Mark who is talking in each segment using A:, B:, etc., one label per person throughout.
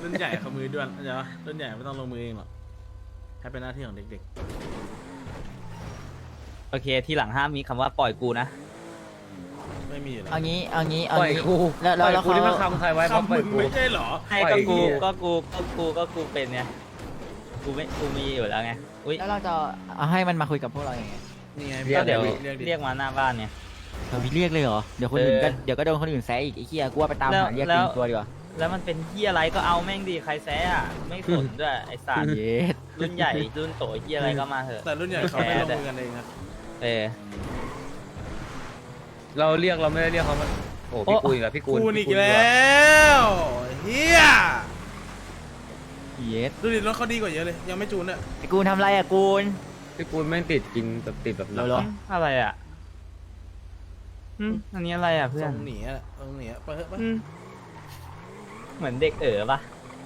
A: รุ่นใหญ่เขามือด้วนเข้าใจปะรุ่นใหญ่ไม่ต้องลงมือเองหรอกแค่เป็นหน้าที่ของเด็ก
B: โอเคทีหลังห้ามมีคำว่าปล่อยกูนะ
A: ๆไม่มีอยู่แล้ว
C: เอางี้เอางี้
D: ปล่อยกู
C: แล้ว
D: ปล่อย
C: แล้ว
D: กู
C: เขา
D: ที่มาคำใครไว้เพราะ
A: คำ
D: ปล่
A: มึ
D: อย
A: ง
D: กู
A: ไม่ใช่เหรอ
B: ให้
D: ปล่อย
B: ก็
D: ไอ้เหี้ย
B: กูเป็นเนี่ยกูมีอยู่แล้วไงอุ้ย
C: แล้วเราจะเอาให้มันมาคุยกับพวกเราอย่างไง
A: นี่ไง
B: ก็เดี๋ยว
A: เรียกดิ
B: เรียกมาหน้าบ้านเนี่ย
C: เราเรียกเลยเหรอเดี๋ยวคนอื่นก็
B: เออ
C: เดี๋ยวก็โดนคนอื่นแซะอีกไอ้เหี้ยกูว่าไปตามหาเรียก
B: แล้
C: ตี
B: ว
C: นตัวดีกว่า
B: แล้วมันเป็นที่อะไรก็เอาแม่งดีใครแซะอ่ะไม่สนด้วยไอ้สาร
C: เย็ด
B: รุ่นใหญ่รุ่นโตที่อะไรก็มาเถอะ
A: แต่รุ่นใหญ่เขาไม่ลงมือกันเองนะ
B: เออ
D: เราเรียกเราไม่ได้เรียกเขามาโอ้พี่
B: โอ้
D: กูอีกแล้วพี่กู
A: กูอีก
D: พี่
A: แล้วเฮีย
C: เย็ด
A: ดูดิรถเขาดีกว่าเยอะเลยยังไม่จูนเนี่ย
C: ไอ้กูทำไรอะกูน
D: พี่กูแม่งติดกินแบบติดแบบ
C: เราเหรอ
B: อะไรอ่ะอันนี้อะไรอ่ะเพื่
A: ท
B: อ
A: ร
B: น
A: งหนีอะตรงหนีอะไปเถอะไป
B: เหมือนเด็กปะ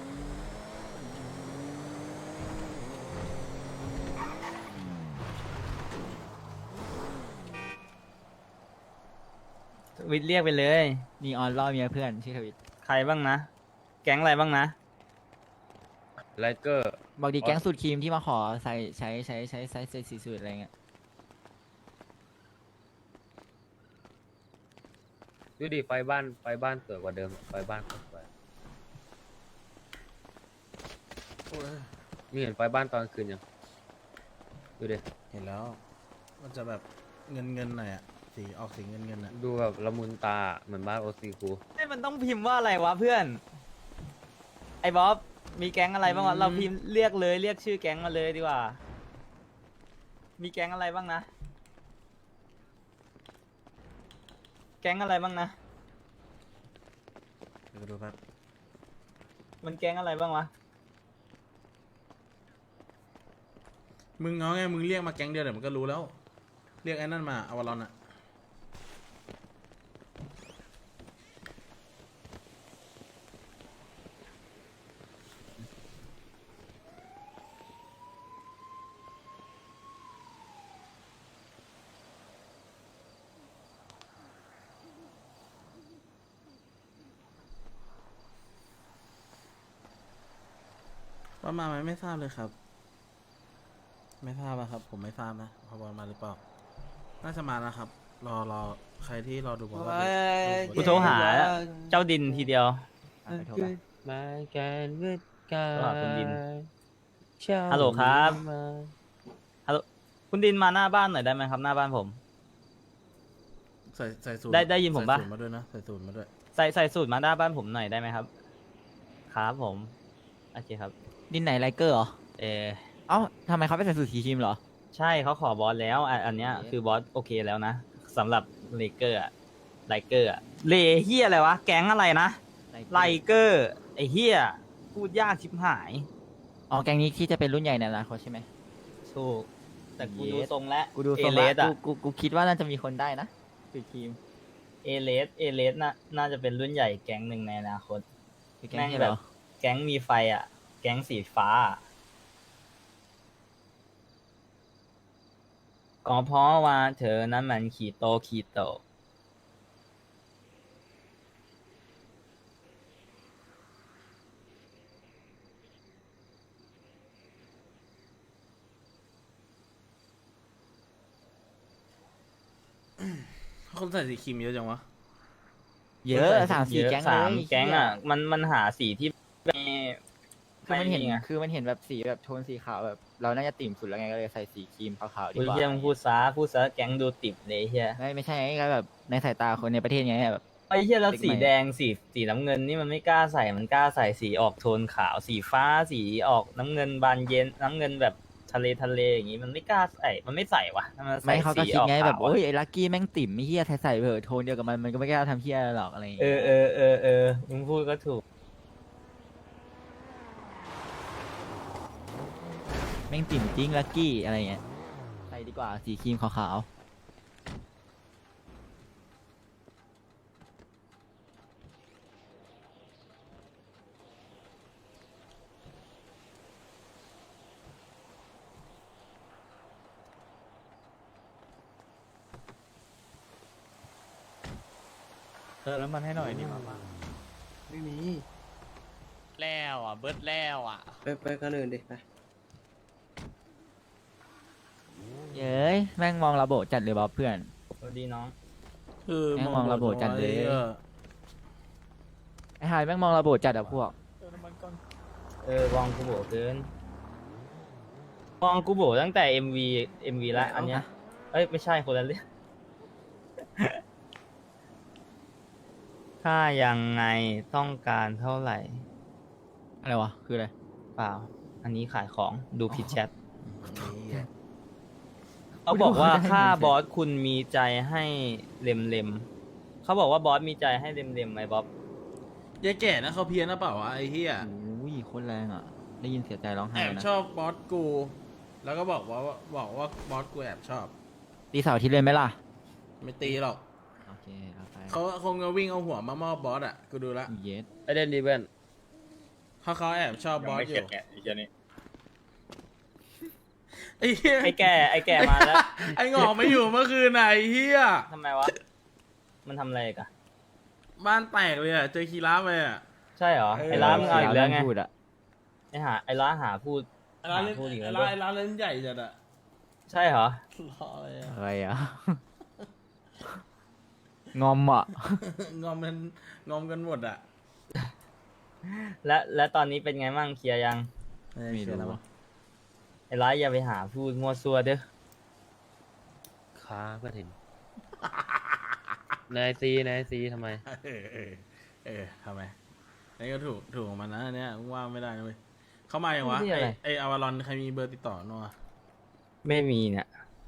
B: วิทย์เรียกไปเลย
C: นีออนล่อเมียเพื่อนชื่อทวิต
B: ใครบ้างนะ แก๊งอะไรบ้างนะ
D: ไลเกอร์
C: บอกดีแก๊งสูตรครีมที่มาขอใส่ใช้สีสูตรอะไรเงี้ย
D: ดูดิไฟบ้านสวยกว่าเดิมไฟบ้านสวย
A: โอ้ย
D: นี่เห็นไฟบ้านตอนคืนยังดูดิ
A: เห็นแล้ว มันจะแบบเงินหน่อยอะสีออกสีเงินอะ
D: ดูแบบละมุนตาเหมือนบ้านโอซีกู
B: ไอ้มันต้องพิมพ์ว่าอะไรวะเพื่อน ไอ้บ๊อบมีแก๊งอะไรบ้างวะเราพิมพ์เรียกเลยเรียกชื่อแก๊งมาเลยดีกว่า มีแก๊งอะไรบ้างนะ แก๊งอะไรบ้างนะ
A: เดี๋ยวดูแป๊บ
B: มันแก๊งอะไรบ้างวะ
A: มึงเอาไงมึงเรียกมาแก๊งเดียวเดี๋ยวมันก็รู้แล้ว เรียกไอ้นั่นมาอวารอนอะว่ามาไหมไม่ทราบเลยครับ ไม่ทราบอะครับ ผมไม่ทราบนะพอบอลมาหรือเปล่า น่าจะมานะครับ รอใครที่รอดูบอลก็ดู
B: กูโทรหาเจ้าดินทีเดียว
C: อ่ะไปโทรไป
D: มาการเวทกา
B: ว่าคุณดิน
D: เช้า
B: ฮัลโหลครับ
D: มา
B: คุณดินมาหน้าบ้านหน่อยได้ไหมครับ หน้าบ้านผม
A: ใส่สูตร
B: ได้ยินผมปะ
A: ใส่สูตรมาด้วยนะใส่สูตรมาด้วย
B: ใส่สูตรมาหน้าบ้านผมหน่อยได้ไหมครับ ครับผม โอเคครับ
C: ดินไหนไลเกอร์เหรอ
B: เออ
C: เอ้าทำไมเขาไปใส่สูตรสีครีมเหรอ
B: ใช่เขาขอบอสแล้วอันเนี้ยคือบอสโอเคแล้วนะสำหรับเลเกอร์อะไลเกอร์อะเลเฮียอะไรวะ แก๊งอะไรนะไลเกอร์ไอเฮียพูดยากชิบหาย
C: อ๋อแก๊งนี้ที่จะเป็นรุ่นใหญ่ในอนาคตใช่ไหม
B: ถูกแต่กู
C: เย
B: ดู
C: ส
B: ทรงแล้ว
C: กูดูทรง
B: เล
C: ละ
B: สอะ
C: กูคิดว่าน่าจะมีคนได้นะสูตรครีม
B: เอเลสน่าจะเป็นรุ่นใหญ่แก๊งหนึ่งในอนาคต
C: คือแก๊ง
B: แม่ง
C: ที่
B: แบ
C: แบบ บ
B: แก๊งมีไฟอะแก๊งสีฟ้าอะก็เพราะว่าเธอนั้นมันขีโต
A: คนใส่สีครีมเยอะจังวะ
C: เยอะสามสี่
B: เยอะ
C: แก๊ง
B: สาม
C: เลย
B: แก๊งอ่ะ มันหาสีที่ไม่
C: คือมันเห็น
B: ไไง
C: คือมันเห็นแบบสีแบบโทนสีขาวแบบ เราน่าจะติ่มสุดแล้วไงก็เลยใส่สีครีมขาวๆดี
B: อุ้ย
C: กว่า
B: เฮียมึงพูดซะแก๊งดูติดเลยเฮีย
C: ไม่ใช่ไงก็แบบในสายตาคนในประเทศไงแบบ
B: ไอ้เฮียแล้ว
C: เด็ก
B: สี
C: ใหม่
B: แดงสีน้ำเงินนี่มันไม่กล้าใส่มันกล้าใส่สีออกโทนขาวสีฟ้าสีออกน้ำเงินบานเย็นน้ำเงินแบบทะเลอย่างงี้มันไม่กล้าใส่มันไม่ใส่วะถ้ามันใส่
C: ไม่เขาก็
B: สี
C: คิด
B: ออก
C: ไงแบบ
B: ขาวอะ
C: โอ้ยไอ้ลักกี้แม่งติ่มไม่เฮียใส่เบอร์โทนเดียวกับมันก็ไม่กล้าทำเฮียหรอกอะไรอย่าง
B: เอ
C: เงี้ย
B: อมึงพูดก็ถูก
C: แม่งติ่มจริงลักกี้อะไรเงี้ยใส่ดีกว่าสีครีมขาวๆแล้วมันให้หน่อยนี่มา
A: ไม่มี
E: แล้วอ่ะเบิร์ดแล้วอ่ะ
F: ไปกันอื่นดิไป
C: เย้ยแม่งมองระโบจัดเลยบ๊อบเพื่อน
B: สวัสดีน้อง
A: คือ
C: แม่งมองระบบจัดเลย
A: ไอ้หี้
C: ไอ้ไฮแม่งมองระโบจัดอะพวก
B: วองกูโบเกินวองกูโบตั้งแต่ MV ละอันเนี้ยเอ้ยไม่ใช่คนละเรื่อง ถ้ายังไงต้องการเท่าไหร่
C: อะไรวะ คืออะไร
B: เปล่า อันนี้ขายของดูผิดแชท
A: ไอ้เหี้ย
B: เขาบอกว่า
C: ไม่ได้
B: ถ้า
C: ไม่ได้
B: บอสคุณมีใจให้เล็มๆเขาบอกว่าบอสมีใจให้เล็มๆไหมบ๊อบ
A: ยายแก่นะเขาเพี้ยนนะเปล่าวะไอ้เหี้ย
C: โอ้ยโคตรแรงอ่ะ ได้ยินเสียใจร้องไห้
A: แอบ
C: นะ
A: ชอบบอสกู แล้วก็บอกว่าบอสกูแอบชอบ
C: ตีเสาร์อาที่เลยไหมล่ะ
A: ไม่ตีหรอก
C: โอเคเอาไป
A: เขาคงจะวิ่งเอาหัวมามอบบอสอ่ะกูดูละ
C: เย็ด
D: ไอเดนดีเพื่อน
A: เขาแอบชอบบอสอยู่
E: ไอ้เจ้านี่
A: ไอ้เหี้ย
B: ไอ้แก่มาแล้ว
A: ไอ้หงอกไม่อยู่เมื่อคืนไหนเหี้ย
B: ทำไมวะ มันทำอะไรกัน
A: บ้านแตกเลยอ่ะเจอคีราฟไปอ่ะ
B: ใช่เหรอ ไอ้ร้านมึงเอาอีกแล้วไง
C: พูดอะ
B: ไอ้ร้านหาพูด
A: ร้านเล่น
B: พูดอีกแล้ว
A: ร้านร้านเล่นใหญ่จัดอ่ะ
B: ใช่เหรอ
A: รอเลยอ่ะ
C: อะไรอ่ะ งอมอ่ะ
A: งอมกันหมดอ่ะ
B: และตอนนี้เป็นไงมั่งเคลียร์ยัง
C: ไม่รู้
B: ไอ้ร้านอย่าไปหาพูดมั่วซั่วเด้อ
D: ค้าเพื่อนเห็น นายซีทำไม
A: ทำไมนี่ก็ถูกของมันนะอันเนี่ยว่างไม่ได้นะเว้ยเข้ามาอย่างวะ
B: นี่อะไร
A: ไออาวารอนใครมีเบอร์ติดต่อนัว
B: ไม่มีเนี่ย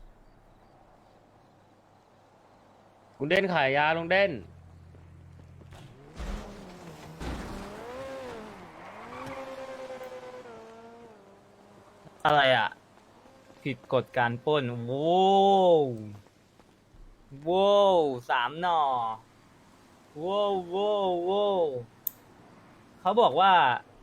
D: ลุงเด่นขายยาลุงเด่น
B: อะไรอ่ะ ผิดกฎการปล้นโว้วโว้ว3 หน่อโว้วโว้วโว้วเขาบอกว่า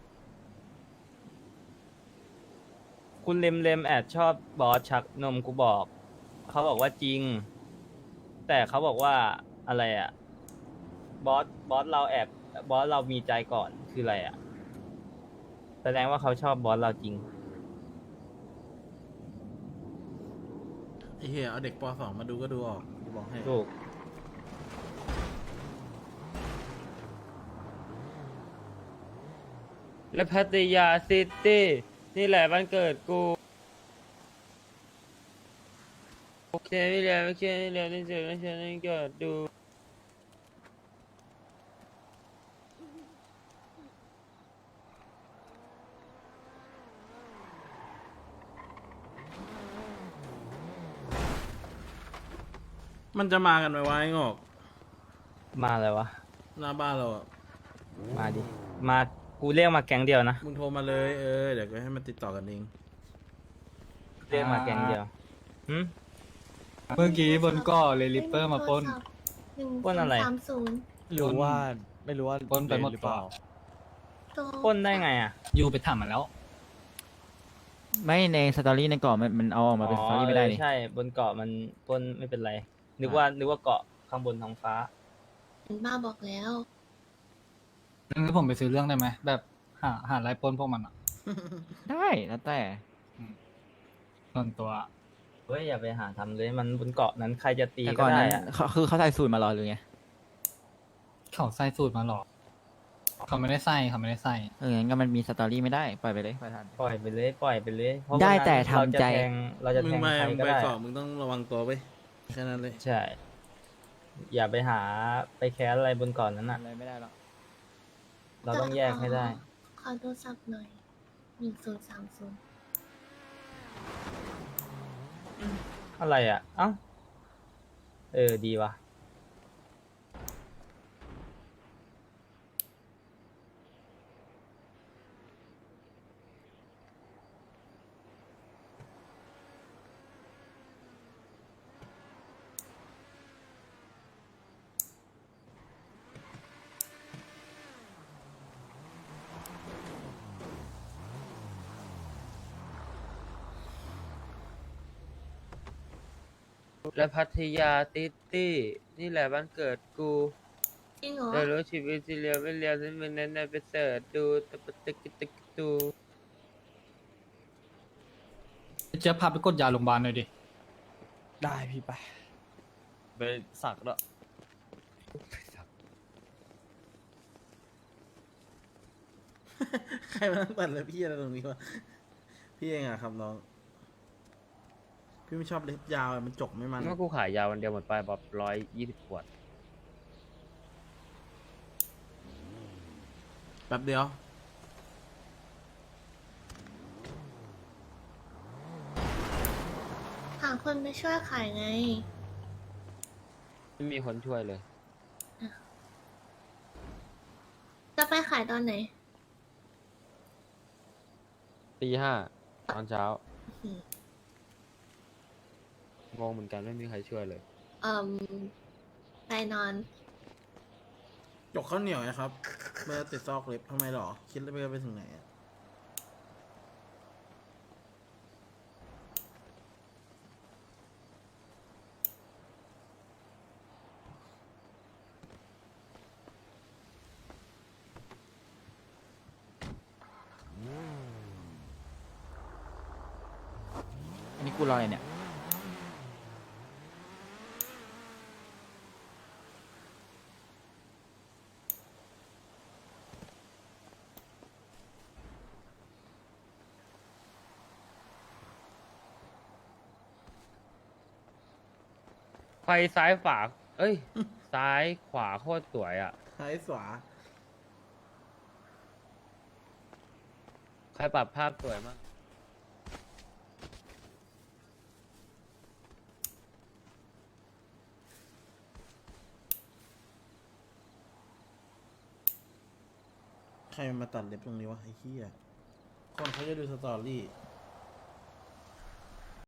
B: คุณเลมแอบชอบบอสชักนมกูบอก เขาบอกว่าจริง แต่เขาบอกว่าอะไรอ่ะ บอสเรามีใจก่อนคืออะไรอ่ะ แสดงว่าเขาชอบบอสเราจริง
A: ไอเหี้ยเอาเด็กป .2 มาดูก็ดูออกกูบอกให้
B: ถูก
D: และพัทยาซิตี้นี่แหละวันเกิดกูโอเคไม่แล้วโอเคไม่แล้วนี่เจอไม่ใช่นี่เกิดดู
A: มันจะมากันไหมวะไอ้งอก
B: มาเลยวะ
A: หน้าบ้านเราอ่ะ
B: มาดิ มากูเรียกมาแก๊งเดียวนะ
A: มึงโทรมาเลยเดี๋ยวก็ให้มันติดต่อกันเอง
B: เรียกมาแก๊งเดียวหึ
G: เมื่อกี้บนเก็เลยริปเปอร์มาปล้น
B: ปล้นอะไร
G: ไม่รู้ว่าปล้นไปหมดเปล่า
B: ปล้นได้ไงอ่ะ
G: อยู่ไปถามมาแล้ว
C: ไม่ในสตอรี่ในก่อนมันเอาออกมาเป็นสตอรี่ไม่ได้
B: เออ
C: นี่
B: ใช่ บนเกาะมันปล้นไม่เป็นไร นึกว่าเกาะข้างบนท้องฟ้า
H: บ้าบอกแล้ว
G: งั้นผมไปซื้อเรื่องได้ไหมแบบหาไล่ปล้นพวกมันอ่ะ
C: ได้แล้วแต่
G: ส่วนตัว
B: เฮ้ยอย่าไปหาทำเลย มันบนเกาะนั้นใครจะตี
C: แต่
B: ก็
C: ก่อน
B: ได้
C: นั้น
B: อะ
C: คือเขาใส่สูตรมารอหรือไง
G: เขาใส่สูตรมาหรอกเขาไม่ได้ใส่
C: งั้นก็มันมีสตอรี่ไม่ได้ ปล่อยไปเลยประธาน
B: ปล่อยไปเลยเพราะ
C: ได้
B: วันนั้น
C: แต่ทำใจ
B: เราจะ
A: มึ
B: แท
A: ง
B: ง
A: มา
B: ใครก็
A: ไป
B: ได้
A: สอบมึงต้องระวังตัวไปแค่นั้นเลย
B: ใช่ อย่าไปหาไปแคสอะไรบนเกาะนั้นอ่ะ
C: อะไรไม่ได้หรอก
B: เราต้องแยกให้ได้
H: ขอโทรศัพท์หน่อย 1030
B: อะไรอ่ะ เอ้า ดีว่ะ
D: และพัทยาซิตี้นี่แหละวันเกิดกู
H: จริงเหรอ
D: เรารู้ชีวิตที่เรียวไม่เรียวฉันเป็นนั้นไปเสิร์ชดูตะปะตึกตึกตู
G: เจ๊ยบพาไปกดยาโรงพยาบาลหน่อยดิ
E: ได้พี่ไป ไปสักแล้ว
A: ใครมาตั้งแต่เลยพี่อะไรตรงนี้วะพี่เองอะครับน้อง พี่ไม่ชอบเล็บยาวอะมันจกไม่มัน
D: เมื่อกูขายยาวันเดียวหมดไปแบบ120 ขวด
A: แป๊บเดียว
H: หาคนไปช่วยขายไง
D: ไม่มีคนช่วยเลย
H: จะไปขายตอนไหน
D: ตี 5ตอนเช้า
H: อืม
D: งงเหมือนกันไม่มีใครช่วยเลย
H: เอ่มไปนอน
A: จกข้าวเหนียวนะครับ เมื่อติดซอกเล็บทำไมหรอ คิดแล้วไปถึงไหนอะ
C: อันนี้กูรออะไรเนี่ย
D: ไฟซ้ายฝา เอ้ย ซ้ายขวาโคตรสวยอ่ะ
A: ซ้ายขวา
D: ใครปรับภาพสวยมาก
A: ใครมาตัดเล็บตรงนี้วะไอ้เหี้ย คนเขาจะดูสตอรี่